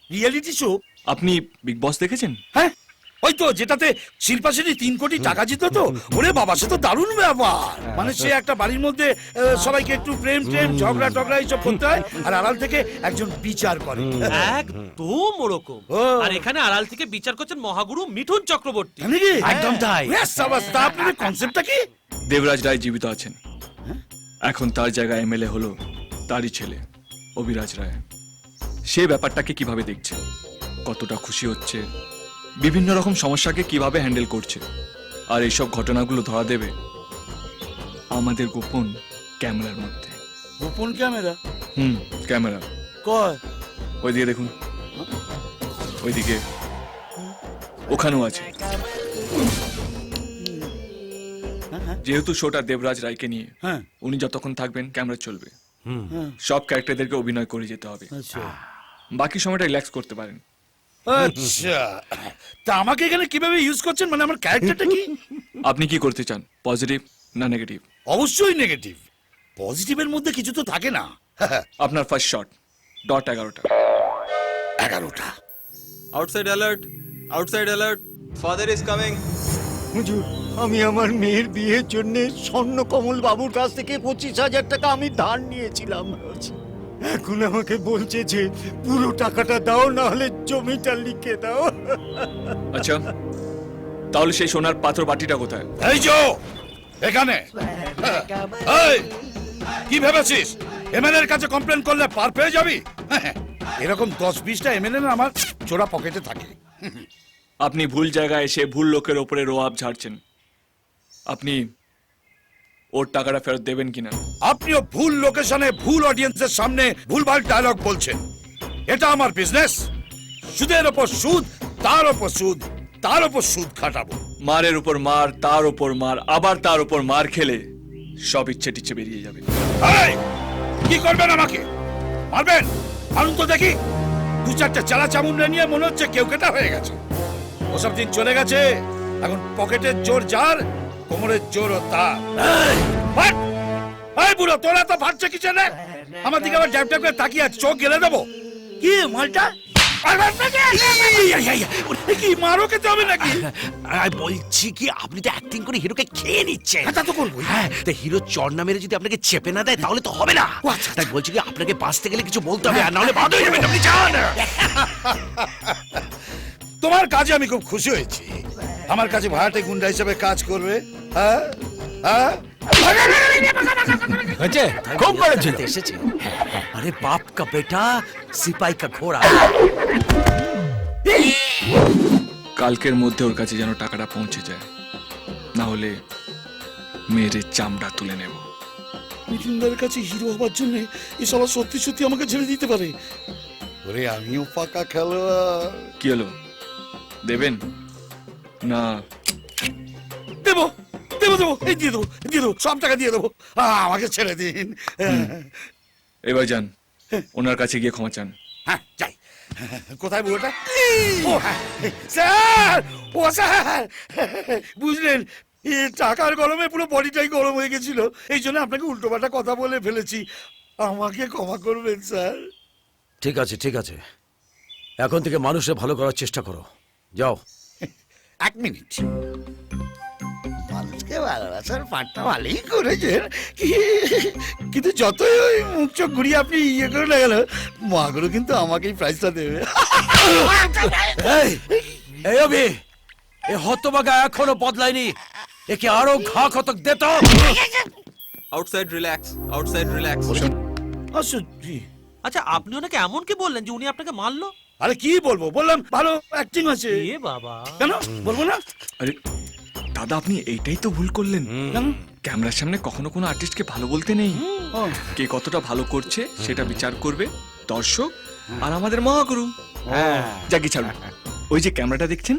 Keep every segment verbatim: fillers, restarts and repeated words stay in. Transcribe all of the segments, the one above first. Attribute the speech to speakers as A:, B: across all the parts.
A: Reality show?
B: আপনি Bigg Boss দেখেছেন?
A: হ্যাঁ, ওই তো যেটাতে শিল্পা সেটি তিন কোটি টাকা জিততো তো। ওরে বাবা, সে তো দারুণ ব্যাপার। মানে সে একটা বাড়ির মধ্যে আহ, সবাইকে একটু প্রেম প্রেম ঝগড়া টগড়া এইসব করতে হয়, আর আড়াল থেকে একজন বিচার করে।
C: একদম ওরকম।
A: ও।
C: আর এখানে আড়াল থেকে বিচার করছেন মহাগুরু মিঠুন চক্রবর্তী।
A: জানি কি?
C: একদম তাই।
A: ব্যাস, সাবাস। তা আপনাদের কনসেপ্টটা কি?
B: দেবরাজ রায় জীবিত আছেন, এখন তার জায়গায় এমএলএ হলো তারই ছেলে অভিরাজ রায়। সে ব্যাপারটাকে কিভাবে দেখছে, কতটা খুশি হচ্ছে, বিভিন্ন রকম সমস্যাকে কিভাবে হ্যান্ডেল করছে, আর এইসব ঘটনাগুলো ধরা দেবে আমাদের গোপন ক্যামেরার মধ্যে।
A: গোপন ক্যামেরা?
B: হুম, ক্যামেরা।
A: কয়?
B: ওইদিকে দেখুন, ওইদিকে, ওখানেও আছে। যেহেতু শোটা দেবরাজ রায়কে নিয়ে,
A: হ্যাঁ।
B: উনি যতক্ষণ থাকবেন ক্যামেরা চলবে।
A: হ্যাঁ।
B: সব ক্যারেক্টারদেরকে অভিনয় করে যেতে হবে,
A: আচ্ছা
B: বাকি সময়টা রিল্যাক্স করতে পারেন।
A: আচ্ছা, তা আমাকে এখানে কিভাবে ইউজ করছেন? মানে আমার ক্যারেক্টারটা কি?
B: আপনি কি করতে চান, পজিটিভ না নেগেটিভ?
A: অবশ্যই নেগেটিভ। পজিটিভের মধ্যে কিছু তো থাকে না।
B: আপনার ফার্স্ট শট, ডট এগারোটা।
A: এগারোটা?
D: Outside alert, outside alert, father is coming.
E: হুজুর, আমি আমার মেয়ের বিয়ের জন্য স্বর্ণকমল বাবুর কাছ থেকে পঁচিশ হাজার টাকা আমি ধার নিয়েছিলাম। এখন আমাকে বলছে যে পুরো টাকাটা দাও, না হলে জমিটা লিখে দাও।
B: আচ্ছা, তাহলে সেই সোনার পাথর বাটিটা কোথায়?
A: এই যো এখানে। এই, কি ভেবেছিস এমএলএর কাছে কমপ্লেন করলে পার পেয়ে যাবি? এরকম দশ বিশটা এমএলএ আমার চোরা পকেটে থাকে।
B: আপনি ভুল জায়গায় এসে ভুল লোকের ওপরে রোয়াব ঝাড়ছেন। আপনি ওর টাকাটা ফেরত দেবেন কিনা?
A: আপনিও ভুল লোকেশনে ভুল অডিয়েন্সের সামনে ভুলভাল ডায়লগ বলছেন। এটা আমার বিজনেস। সুদের ওপর সুদ, তার ওপর সুদ, তার ওপর সুদ খাটাবো।
B: মারের উপর মার, তার উপর মার, আবার তার উপর মার খেলে সব ইচ্ছে টিচ্ছে বেরিয়ে যাবে।
A: এই, কি করবেন আমাকে? মারবেন? মারুন তো দেখি। দু চারটে চালা চামুন্ডা নিয়ে মনে হচ্ছে কেউ কেটা হয়ে গেছে। ওসব দিন চলে গেছে। এখন পকেটের জোর যার, কোমরের জোর তার। এই, ফাট! এই বুড়ো, তোরা তো ফাটছে কি জানে? আমার দিকে আবার ড্যাপ ড্যাপ করে তাকিয়ে আছে, চোখ গেলে দেবো। কি মালটা? কি মারো খেতে হবে নাকি?
F: বলছি কি, আপনি তো অ্যাক্টিং করে হিরোকে খেয়ে নিচ্ছেন।
A: তা তো করবোই।
F: হ্যাঁ, তা হিরো চড় না মেরে যদি আপনাকে চেপে না দেয় তাহলে তো হবে না। তাই বলছি কি, আপনাকে বাঁচতে গেলে কিছু বলতে হবে, আর নাহলে বাদ হয়ে যাবেন। আপনি যান।
A: তোমার কাজে আমি খুব খুশি হয়েছি। আমার কাছে ভাড়াটে গুন্ডা হিসেবে কাজ করবে। হ্যাঁ হ্যাঁ,
F: হয়েছে, খুব করেছিল। এসেছে। আরে বাপ কা বেটা, সিপাই কা ঘোড়া।
B: কালকের মধ্যে ওর কাছে যেন টাকাটা পৌঁছে যায়, না হলে মেয়ের চামড়া তুলে নেব।
A: মিঠুনদার কাছে হিরো হবার জন্য এসব সত্যি সত্যি আমাকে ছেড়ে দিতে পারে। ওরে, আমিও পাকা খেলোয়াড়।
B: কি হলো, দেবেন না?
A: দেবো দেবো দেবো, এই দিয়ে দেবো, দিয়ে দেবো, সব টাকা দিয়ে দেবো। আহ, আমাকে ছেড়ে দিন।
B: এবার যান, ওনার কাছে গিয়ে ক্ষমা চান।
A: হ্যাঁ, যাই। কোথায় বুড়োটা? ও হ্যাঁ, স্যার, ও স্যার, বুঝলেন, এ টাকার গরমে পুরো বডিটাই গরম হয়ে গেছিল। এই জন্য আপনাকে উল্টোপাল্টা কথা বলে ফেলেছি। আমাকে ক্ষমা করবেন স্যার।
G: ঠিক আছে, ঠিক আছে, এখন থেকে মানুষের ভালো করার চেষ্টা করো। যাও।
A: এক মিনিট। মানুষকে ভালোবাসার পাঠটা ভালোই করেছেন, কিন্তু যতই ওই মুখ চোখ ঘুরিয়ে আপনি ইয়ে করে না গেল, মাগুলো কিন্তু আমাকেই প্রাইজটা দেবে।
G: এই, এই অভি, এ হতবাগা এখনো বদলায়নি। একে আরো ঘা কতক দে তো।
D: Outside relax, outside relax.
C: আচ্ছা, আপনি ওনাকে এমন কি বললেন যে উনি আপনাকে মারলো?
A: আরে কি বলবো, বললাম ভালো অ্যাক্টিং আছে।
C: এ বাবা,
A: কেন বলবো না?
B: আরে দাদা, আপনি এইটাই তো ভুল করলেন।
A: কেন?
B: ক্যামেরার সামনে কখনো কোনো আর্টিস্টকে ভালো বলতে নেই। কে কতটা ভালো করছে সেটা বিচার করবে দর্শক আর আমাদের মহাগুরু। যাকে ছাড়ুন, ওই যে ক্যামেরাটা দেখছেন,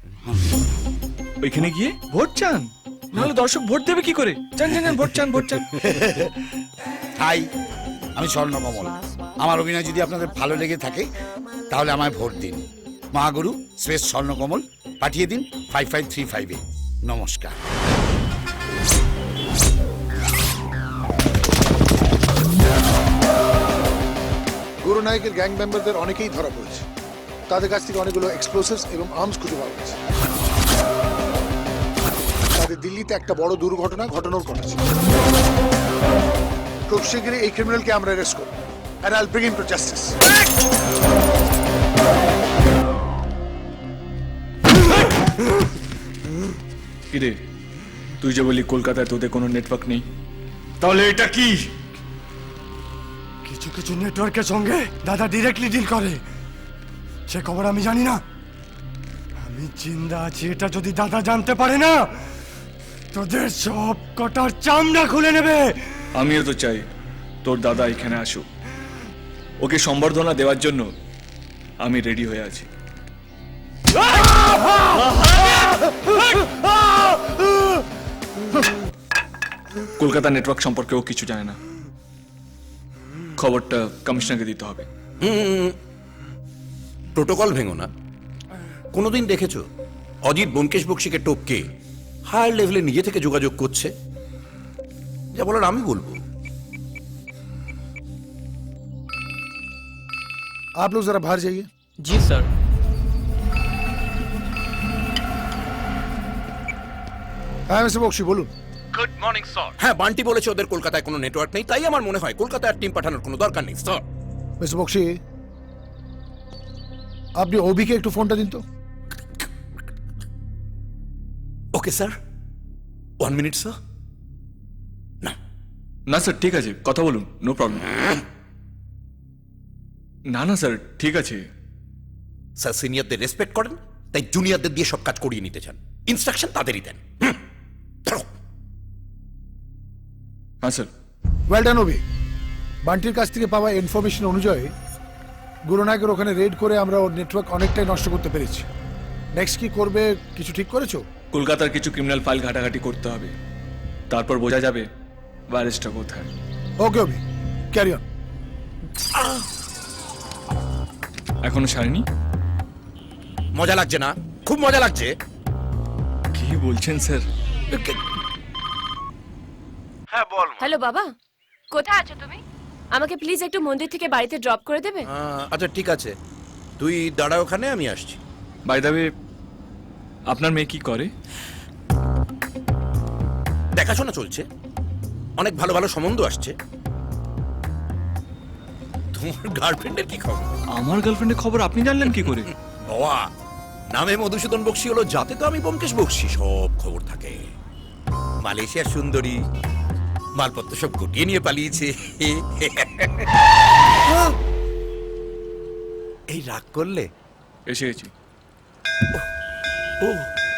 B: ওইখানে গিয়ে ভোট চান, নাহলে দর্শক ভোট দেবে কি করে? চান চান চান, ভোট চান, ভোট চান।
A: হাই, আমি স্বর্ণকমল। আমার অভিনয় যদি আপনাদের ভালো লেগে থাকে তাহলে আমায় ভোট দিন। মহাগুরু শ্রেষ্ঠ স্বর্ণকমল পাঠিয়ে দিন ফাইভ ফাইভ থ্রি ফাইভে। নমস্কার।
H: গুরু নায়কের গ্যাং মেম্বারদের অনেকেই ধরা পড়েছে। তাদের কাছ থেকে অনেকগুলো এক্সপ্লোসিভস এবং আর্মস খুঁজে পাওয়া গেছে। তাদের দিল্লিতে একটা বড় দুর্ঘটনা ঘটানোর কথা ছিল। খুব শীঘ্রই এই ক্রিমিনালকে আমরা অ্যারেস্ট করব and I'll bring him to justice.
B: কিরে, তুই যে বলি কলকাতায় তোদের কোনো নেটওয়ার্ক নেই, তাহলে এটা কি?
E: কিছু কিছু নেটওয়ার্কের সঙ্গে দাদা ডিরেক্টলি ডিল করে, সে খবর আমি জানি না। আমি জিন্দা আছি এটা যদি দাদা জানতে পারে না, তোদের সব কটার চামড়া খুলে নেবে।
B: আমিও তো চাই তোর দাদা এখানে আসুক, ওকে সম্বর্ধনা দেওয়ার জন্য আমি রেডি হয়ে আছি। কলকাতা নেটওয়ার্ক সম্পর্কে ও কিছু জানে না, খবরটা কমিশনারকে দিতে হবে।
F: প্রোটোকল ভেঙো না। কোনোদিন দেখেছো অজিত ব্যোমকেশ বক্সিকে টপকে হায়ার লেভেলে নিজে থেকে যোগাযোগ করছে? যা বলার আমি বলবো।
H: आप लोग जरा बाहर जाइए।
C: জি স্যার।
H: হ্যাঁ মিস্টার বক্সি বলুন।
F: হ্যাঁ, বান্টি বলেছে ওদের কলকাতায় কোনো নেটওয়ার্ক নেই, তাই আমার মনে হয় কলকাতায় টিম পাঠানোর কোনো দরকার নেই স্যার।
H: মিস্টার বক্সি, আপনি ওবিকে একটু ফোনটা দিন তো।
F: Okay sir, one minute sir. না
B: না স্যার, ঠিক আছে, কথা বলুন, নো প্রবলেম। না না স্যার, ঠিক আছে।
F: স্যার সিনিয়রদের রেসপেক্ট করেন, তাই জুনিয়রদের দিয়ে সব কাজ করিয়ে নিতে চান। ইনস্ট্রাকশন তাদেরই দেন। হুম, ধরো।
B: হ্যাঁ স্যার।
H: Well done Obi. বান্টির কাছ থেকে পাওয়া ইনফরমেশন অনুযায়ী গুরুনায়কের ওখানে রেড করে আমরা ওর নেটওয়ার্ক অনেকটাই নষ্ট করতে পেরেছি। নেক্সট কি করবে কিছু ঠিক করেছো?
B: কলকাতার কিছু ক্রিমিনাল ফাইল ঘাটাঘাটি করতে হবে, তারপর বোঝা যাবে ভাইরাসটা কোথায়।
H: Okay Obi, carry on.
B: এখনো সারেনি?
F: মজা লাগছে না? খুব মজা লাগছে।
B: কি বলছেন স্যার?
F: হ্যাঁ বল।
I: হ্যালো বাবা, কোথায় আছো তুমি? আমাকে প্লিজ একটু মন্দির থেকে বাড়িতে ড্রপ করে দেবে?
F: আচ্ছা ঠিক আছে, তুই দাঁড়া ওখানে, আমি আসছি।
B: বাই দ্য ওয়ে, আপনার মেয়ে কি করে?
F: দেখাশোনা চলছে, অনেক ভালো ভালো সম্বন্ধ আসছে। তোমার গার্লফ্রেন্ডের কি খবর?
B: আমার গার্লফ্রেন্ডের খবর আপনি জানলেন কি করে?
F: বাবা, নামে মধুসূদন বক্সি হলো, যাতে তো আমি ব্যোমকেশ বক্সি, সব খবর থাকে। মালয়েশিয়ার সুন্দরী, মালপত্র সব গুটিয়ে নিয়ে পালিয়েছে। এই রাগ করলে?
B: এসে গেছি।
F: ও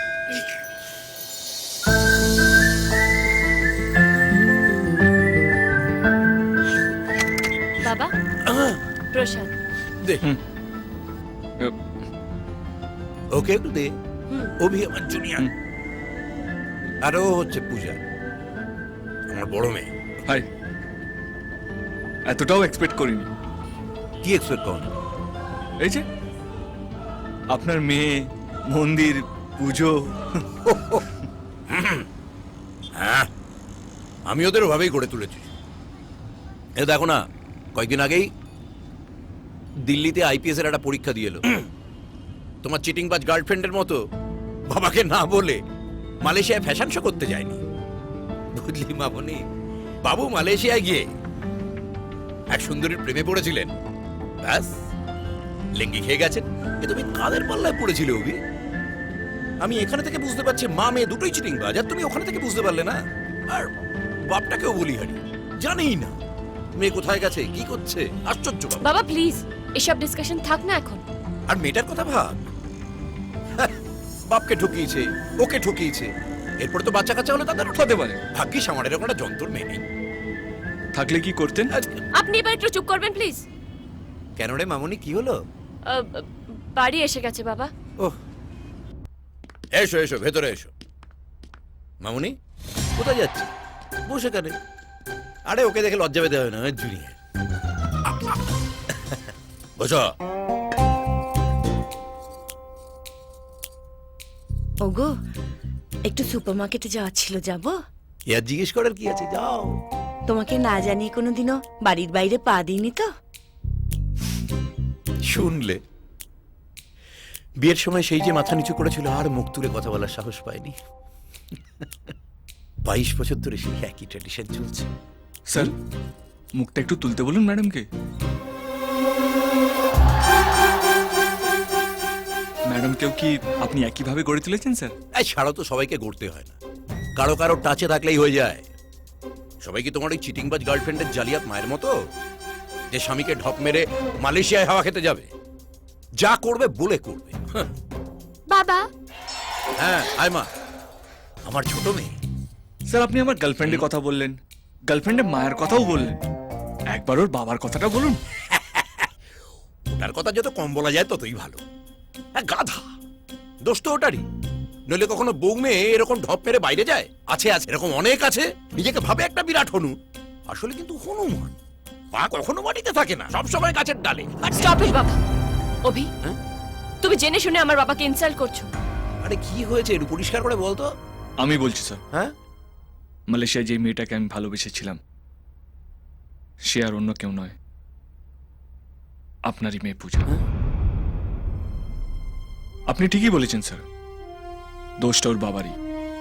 I: বাবা, প্রসাদ।
F: দে,
B: হুম।
F: ওকে একটু দে। অভি আমার জুনিয়র, আর ও হচ্ছে পূজা, আমার বড় মেয়ে।
B: হাই, এতটাও এক্সপেক্ট করিনি।
F: কি এক্সপেক্ট করেন?
B: এই যে আপনার মেয়ে, মন্দির, পুজো।
F: হ্যাঁ, আমি ওদের ওভাবেই গড়ে তুলেছি। এ দেখো না, কয়েকদিন আগেই দিল্লিতে আইপিএস এর একটা পরীক্ষা দিয়ে এলো। তোমার চিটিংবাজ গার্লফ্রেন্ডের মতো বাবাকে না বলে মালয়েশিয়ায় ফ্যাশন শো করতে যায়নি, বুঝলি মামনি? বাবু মালয়েশিয়ায় গিয়ে এক সুন্দরীর প্রেমে পড়েছিলেন, ব্যাস লেঙ্গি খেয়ে গেছেন। এ তুমি কাদের পাল্লায় পড়েছিলে অভি? আমি এখানে থেকে বুঝতে পারছি মা মেয়ে দুটোই চিটিংবাজ, আর তুমি ওখানে থেকে বুঝতে পারলে না। আর বাপটাকেও বলি হারি, জানেই না মেয়ে কোথায় গেছে, কি করছে। আশ্চর্য বাবা।
I: বাবা প্লিজ, এসব ডিসকাশন থাক না এখন।
F: আর মেয়েটার কথা ভাব, হ্যাঁ, বাপকে ঠকিয়েছে, ওকে ঠকিয়েছে, এরপর তো বাচ্চা কাচ্চা হলে তাদের
B: হতে পারে।
F: ভাগ্যিস আমার এরকম একটা যন্ত্র মেয়ে নেই।
B: থাকলে কি করতেন?
I: আপনি এবার একটু চুপ করবেন প্লিজ।
F: কেন রে মামুনি, কি হলো?
I: বাড়ি এসে গেছে বাবা।
F: ওহ, এসো এসো, ভেতরে এসো। মামুনি কোথায় যাচ্ছে? বসে কেন? আরে ওকে দেখে লজ্জা পেতে হবে না, জুনিয়র। বসো।
J: ওগো, একটু সুপারমার্কেটে যাওয়ার ছিল, যাবো?
F: ইয়ার জিজ্ঞেস করার কি আছে, যাও।
J: তোমাকে না জানিয়ে কোনোদিনও বাড়ির বাইরে পা দিইনি তো?
F: শুনলে বিয়ের সময় সেই যে মাথা নিচু করেছিল আর মুখ তুলে কথা বলার সাহস পায়নি। বাইশ বছর ধরে সেই একই ট্র্যাডিশন চলছে।
B: স্যার মুখটা একটু তুলতে বলুন ম্যাডামকে। ম্যাডামকেও কি আপনি একইভাবে গড়ে তুলেছেন স্যার?
F: এই ছাড়াও তো সবাইকে গড়তে হয় না, কারো কারো টাচে থাকলেই হয়ে যায়। সবাই কি তোমার ওই চিটিংবাজ গার্লফ্রেন্ডের জালিয়াত মায়ের মতো, যে স্বামীকে ঢপ মেরে মালয়েশিয়ায় হাওয়া খেতে যাবে? যা করবে বলে করবে। হাহ।
I: বাবা
F: হ্যাঁ আয় মা, আমার ছোট মেয়ে।
B: স্যার আপনি আমার গার্লফ্রেন্ডের কথা বললেন, গার্লফ্রেন্ডের মায়ের কথাও বললেন, একবার ওর বাবার কথাটা বলুন।
F: ওটার কথা যত কম বলা যায় ততই ভালো। হ্যাঁ, গাধা, দোষ তো ওটারই। নইলে কখনো বউ মেয়ে এরকম ঢপ মেরে বাইরে যায়? আছে আছে, এরকম অনেক আছে। নিজেকে ভাবে একটা বিরাট হনু, আসলে কিন্তু হনুমান। পা কখনো মাটিতে থাকে না, সবসময় গাছের ডালে।
I: স্টপ ইট বাবা। অভি
F: হ্যাঁ?
I: তুমি জেনে শুনে আমার বাবাকে ইনসাল্ট করছো।
F: আরে কি হয়েছে একটু পরিষ্কার করে বলতো।
B: আমি বলছি স্যার,
F: হ্যাঁ,
B: মালয়েশিয়ায় যে মেয়েটাকে আমি ভালোবেসেছিলাম সে আর অন্য কেউ নয়, আপনারই মেয়ে পূজা। আপনি ঠিকই বলেছেন স্যার, দোষটা ওর বাবারই।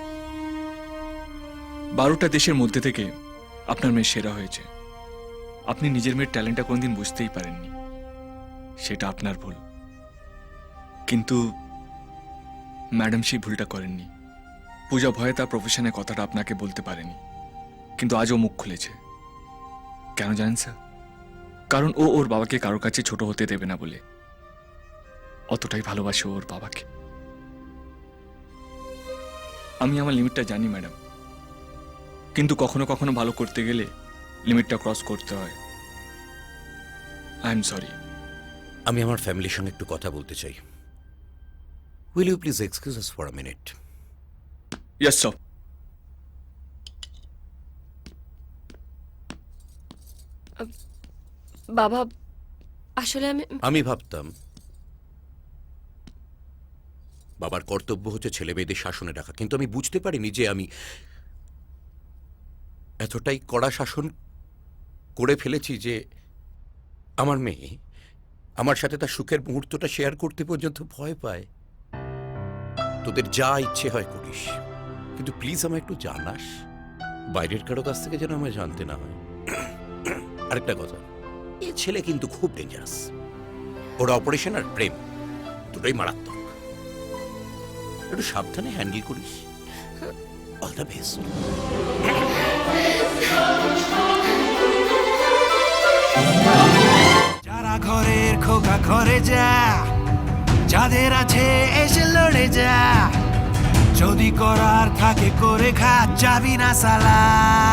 B: বারোটা দেশের মধ্যে থেকে আপনার মেয়ে সেরা হয়েছে। আপনি নিজের মেয়ের ট্যালেন্টটা কোনদিন বুঝতেই পারেননি, সেটা আপনার ভুল। কিন্তু ম্যাডাম সেই ভুলটা করেননি। পূজা ভয়ে তার প্রফেশনের কথাটা আপনাকে বলতে পারেনি, কিন্তু আজও মুখ খুলেছে। কেন জানেন স্যার? কারণ ও ওর বাবাকে কারোর কাছে ছোট হতে দেবে না বলে। অতটাই ভালোবাসে ও ওর বাবাকে। আমি আমার লিমিটটা জানি ম্যাডাম, কিন্তু কখনো কখনো ভালো করতে গেলে লিমিটটা ক্রস করতে হয়। I am sorry.
F: আমি আমার ফ্যামিলির সঙ্গে একটু কথা বলতে চাই। Will you please excuse us for a minute?
B: Yes sir.
I: বাবা আসলে আমি
F: আমি ভাবতাম বাবার কর্তব্য হচ্ছে ছেলে মেয়েদের শাসনে রাখা, কিন্তু আমি বুঝতে পারিনি যে আমি এতটাই কড়া শাসন করে ফেলেছি যে আমার মেয়ে আমার সাথে তার সুখের মুহূর্তটা শেয়ার করতে পর্যন্ত ভয় পায়। তোদের যা ইচ্ছে হয় করিস, কিন্তু প্লিজ আমায় একটু জানাস, বাইরের কারো কাছ থেকে যেন আমায় জানতে না হয়। আরেকটা কথা, এ ছেলে কিন্তু খুব ডেঞ্জারাস। ওর অপারেশন আর প্রেম দুটোই মারাত্মক। একটু সাবধানে হ্যান্ডেল করিস। All the best.
K: যারা ঘরের খোকা ঘরে যা, যাদের আছে এসে লড়ে যা, যদি করার থাকে করে খা, যাবি না সালা।